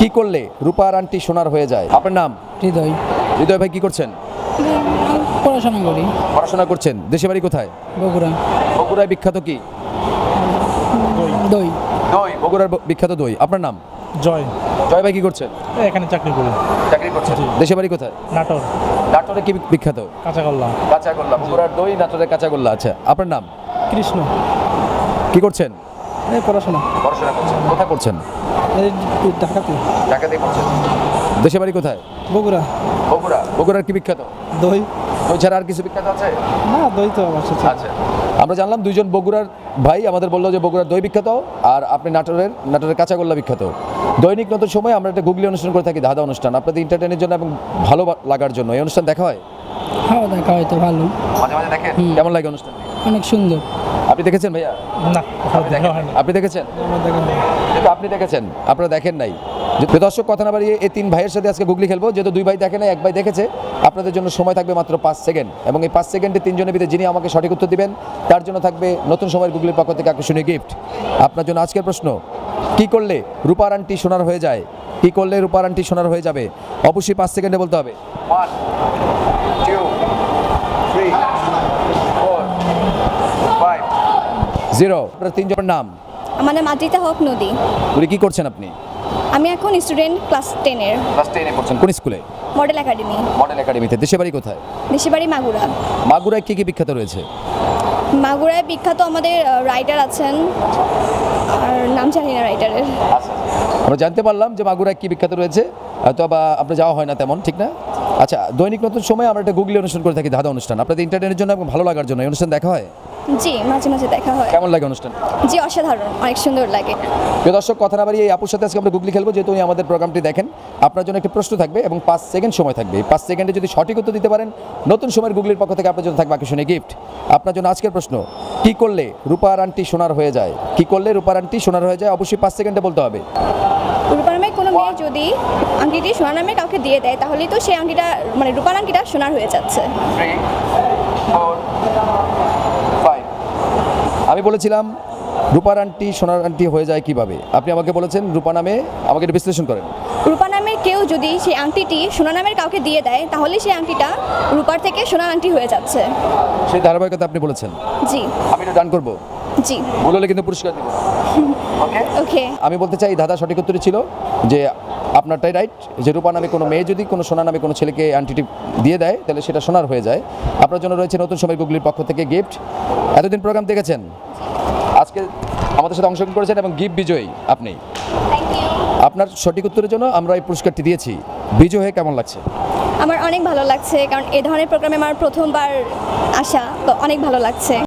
কি করলে রূপার আন্টি সোনার হয়ে যায়? আপনার নাম? হৃদয়। হৃদয় ভাই কি করছেন? পড়াশোনা করি। পড়াশোনা করছেন। দেশে বাড়ি কোথায়? বগুড়া। বগুড়ায় বিখ্যাত কি? দই। দই। বগুড়ার বিখ্যাত দই। আপনার নাম? জয়। জয় ভাই কি করছেন? এখানে চাকরি করি। চাকরি করছেন। দেশে বাড়ি কোথায়? নাটোর। নাটোরে কি বিখ্যাত? কাঁচাগোল্লা। কাঁচাগোল্লা। বগুড়ার দই, নাটোরের কাঁচাগোল্লা। আচ্ছা, আপনার নাম? কৃষ্ণ। কি করছেন? এই পড়াশোনা। পড়াশোনা করছেন। কোথায় করছেন? এই ঢাকাতে। ঢাকাতেই করছেন। দেশে বাড়ি কোথায়? বগুড়া। বগুড়া। বগুড়ার কি বিখ্যাত? দই। দই ছাড়া আর কিছু বিখ্যাত আছে? না, দই তো আমার সাথে। আচ্ছা, আমরা জানলাম দুইজন বগুড়ার ভাই আমাদের বললো যে বগুড়ার দই বিখ্যাত, আর আপনি নাটোরের কাঁচাগোল্লা বিখ্যাত। দৈনিক নতুন সময় আমরা একটা গুগলি অনুষ্ঠান করে থাকি, ধাঁধা অনুষ্ঠান, আপনাদের এন্টারটেনের জন্য এবং ভালো লাগার জন্য। এই অনুষ্ঠান দেখা হয়? হ্যাঁ, দেখা হয় তো ভালো। মাঝে মাঝে দেখেন? কেমন লাগে অনুষ্ঠান? অনেক সুন্দর। আপনি দেখেছেন ভাইয়া? না, দেখা হয় না। আপনি দেখেছেন? আমার দেখা হয়। যেহেতু আপনি দেখেছেন, আপনারা দেখেন নাই। যে দর্শক, কথা না বাড়িয়ে এই তিন ভাইয়ের সাথে আজকে গুগলি খেলবো। যেহেতু দুই ভাই দেখে নাই, এক ভাই দেখেছে, আপনাদের জন্য সময় থাকবে মাত্র 5 সেকেন্ড, এবং এই 5 সেকেন্ডে তিনজনের ভিতরে যিনি আমাকে সঠিক উত্তর দিবেন তার জন্য থাকবে নতুন সময়ের গুগলির পক্ষ থেকে আকর্ষণীয় গিফট। আপনার জন্য আজকের প্রশ্ন, কি করলে রূপার আন্টি সোনার হয়ে যায়? কি করলে রূপার আন্টি সোনার হয়ে যাবে? অবশ্যই 5 সেকেন্ডে বলতে হবে। 1 2 3 4 5 0। আপনার তিনজনের নাম? আমার নাম আদ্রিতা হক নদী। উনি কি করছেন আপনি? আমি এখন স্টুডেন্ট ক্লাস 10-এর। ক্লাস 10-এ পড়ছেন। কোন স্কুলে? Model academy. মডেল একাডেমিতে। দেশে বাড়ি কোথায়? দেশের বাড়ি মাগুরা। মাগুরায় কি কি বিখ্যাত রয়েছে? মাগুরায় বিখ্যাত আমাদের রাইটার আছেন, আর নাম জানি না রাইটারের। আমরা জানতে পারলাম যে মাগুরায় কি বিখ্যাত রয়েছে, হয়তো বা আপনার যাওয়া হয় না তেমন, ঠিক না? আচ্ছা, দৈনিক নতুন সময় আমরা একটা গুগলি অনুষ্ঠান করে থাকি, ধাঁধা অনুষ্ঠান, আপনাদের এন্টারটেনের জন্য এবং ভালো লাগার জন্য। এই অনুষ্ঠান দেখা হয়? জি, মাঝে মাঝে দেখা হয়। কেমন লাগে অনুষ্ঠান? জি, অসাধারণ, অনেক সুন্দর লাগে। প্রিয় দর্শক, কথা না বাড়িয়ে এই আপুর সাথে আজকে আমরা গুগলি খেলবো। যেহেতু উনি আমাদের প্রোগ্রামটি দেখেন, আপনার জন্য একটি প্রশ্ন থাকবে এবং 5 সেকেন্ড সময় থাকবে। 5 সেকেন্ডে যদি সঠিক উত্তর দিতে পারেন, নতুন সময়ের গুগলির পক্ষ থেকে আপনার জন্য থাকবে আকর্ষণীয় গিফট। আপনার জন্য আজকের প্রশ্ন, কি করলে রূপার আন্টি সোনার হয়ে যায়? কি করলে রূপার আন্টি সোনার হয়ে যায়? অবশ্যই 5 সেকেন্ডে বলতে হবে। রূপার নামে কোনো মেয়ে যদি আংটিটি সোনার নামে কাউকে দিয়ে দেয়, তাহলেই তো সেই আংটিটা, মানে রূপার আংটিটা সোনার হয়ে যাচ্ছে। 3 4 5। আমি বলেছিলাম রূপার আন্টি সোনার আন্টি হয়ে যায় কিভাবে, আপনি আমাকে বলেছেন রূপা নামে, আমাকে একটু বিশ্লেষণ করেন। রূপা নামের কেউ যদি সেই আংটিটি সোনা নামের কাউকে দিয়ে দেয়, তাহলে সেই আংটিটা রূপার থেকে সোনার আংটি হয়ে যাচ্ছে। সেই ধারাবাহিকতা আপনি বলেছেন। জি। আমি এটা ডান করবো, জি। ভুল হলে কিন্তু পুরস্কার দেবো। ওকে ওকে। আমি বলতে চাই দাদা সঠিক উত্তরই ছিল যে আপনারটাই রাইট, যে রূপা নামে কোনো মেয়ে যদি কোনো সোনা নামে কোনো ছেলেকে আন্টিটি দিয়ে দেয়, তাহলে সেটা সোনার হয়ে যায়। আপনার জন্য রয়েছে নতুন সময় গুগলির পক্ষ থেকে গিফট। এতদিন প্রোগ্রাম দেখেছেন, আজকে আমাদের সাথে অংশগ্রহণ করেছেন এবং গিফট বিজয়ী আপনি। Thank you. আপনার সঠিক উত্তরের জন্য আমরা এই পুরস্কারটি দিয়েছি। বিজয় হয়ে কেমন লাগছে? আমার অনেক ভালো লাগছে, কারণ এই ধরনের প্রোগ্রামে আমার প্রথমবার আসা, তো অনেক ভালো লাগছে।